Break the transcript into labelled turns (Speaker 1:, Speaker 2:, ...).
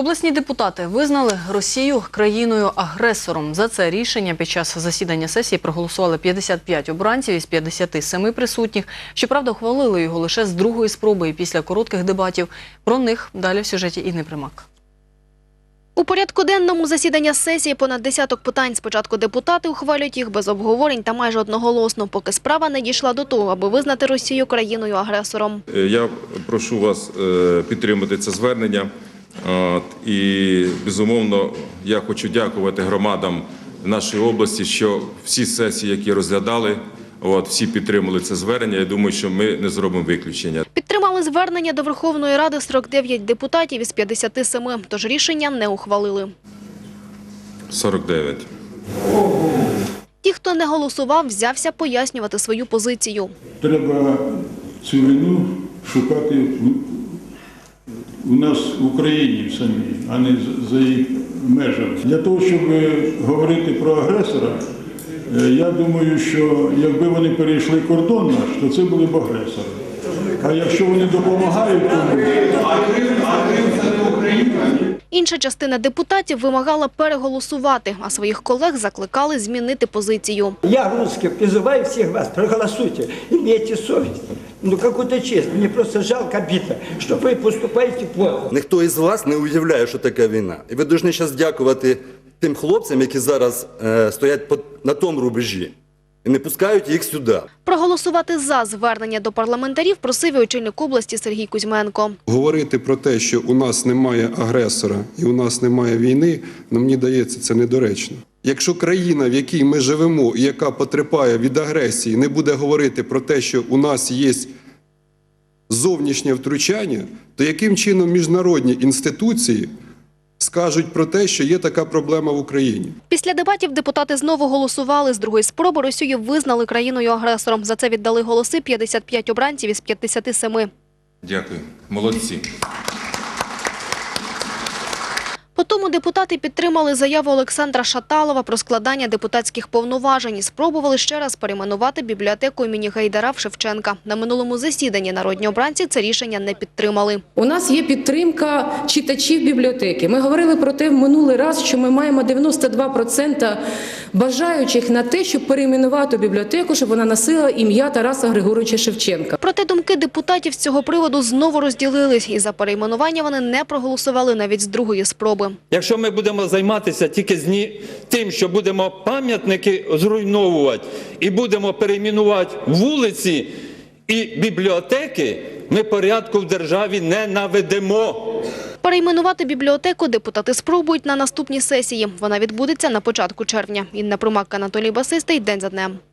Speaker 1: Обласні депутати визнали Росію країною-агресором. За це рішення під час засідання сесії проголосували 55 обранців із 57 присутніх. Щоправда, ухвалили його лише з другої спроби і після коротких дебатів. Про них далі в сюжеті Інни Примак.
Speaker 2: У порядку денному засідання сесії понад десяток питань. Спочатку депутати ухвалюють їх без обговорень та майже одноголосно, поки справа не дійшла до того, аби визнати Росію країною-агресором.
Speaker 3: Я прошу вас підтримати це звернення. І, безумовно, я хочу дякувати громадам нашої області, що всі сесії, які розглядали, всі підтримали це звернення. Я думаю, що ми не зробимо виключення.
Speaker 2: Підтримали звернення до Верховної Ради 49 депутатів із 57, тож рішення не ухвалили.
Speaker 3: 49.
Speaker 2: Ті, хто не голосував, взявся пояснювати свою позицію.
Speaker 4: Треба цю війну шукати у нас в Україні самі, а не за її межами. Для того, щоб говорити про агресора, я думаю, що якби вони перейшли кордон наш, то це були б агресори. А якщо вони допомагають, то
Speaker 2: Інша частина депутатів вимагала переголосувати, а своїх колег закликали змінити позицію.
Speaker 5: Я русский, призываю всех вас, проголосуйте, имейте совесть. Ну, какую-то честь. Мне просто жалко, обидно, что вы поступаете плохо.
Speaker 6: Ніхто із вас не уявляє, що таке війна. І ви повинні зараз дякувати тим хлопцям, які зараз стоять на тому рубежі і не пускають їх сюди.
Speaker 2: Проголосувати за звернення до парламентарів просив і очільник області Сергій Кузьменко.
Speaker 7: Говорити про те, що у нас немає агресора і у нас немає війни, мені здається, це недоречно. Якщо країна, в якій ми живемо і яка потерпає від агресії, не буде говорити про те, що у нас є зовнішнє втручання, то яким чином міжнародні інституції скажуть про те, що є така проблема в Україні?
Speaker 2: Після дебатів депутати знову голосували. З другої спроби Росію визнали країною-агресором. За це віддали голоси 55 обранців із 57.
Speaker 3: Дякую. Молодці.
Speaker 2: Потому депутати підтримали заяву Олександра Шаталова про складання депутатських повноважень і спробували ще раз перейменувати бібліотеку імені Гайдара в Шевченка. На минулому засіданні народні обранці це рішення не підтримали.
Speaker 8: У нас є підтримка читачів бібліотеки. Ми говорили про те в минулий раз, що ми маємо 92% бажаючих на те, щоб перейменувати бібліотеку, щоб вона носила ім'я Тараса Григоровича Шевченка.
Speaker 2: Проте думки депутатів з цього приводу знову розділились, і за перейменування вони не проголосували навіть з другої спроби.
Speaker 9: Якщо ми будемо займатися тільки тим, що будемо пам'ятники зруйновувати і будемо перейменувати вулиці і бібліотеки, ми порядку в державі не наведемо.
Speaker 2: Перейменувати бібліотеку депутати спробують на наступній сесії. Вона відбудеться на початку червня. Інна Примак, Анатолій Басистий. День за днем.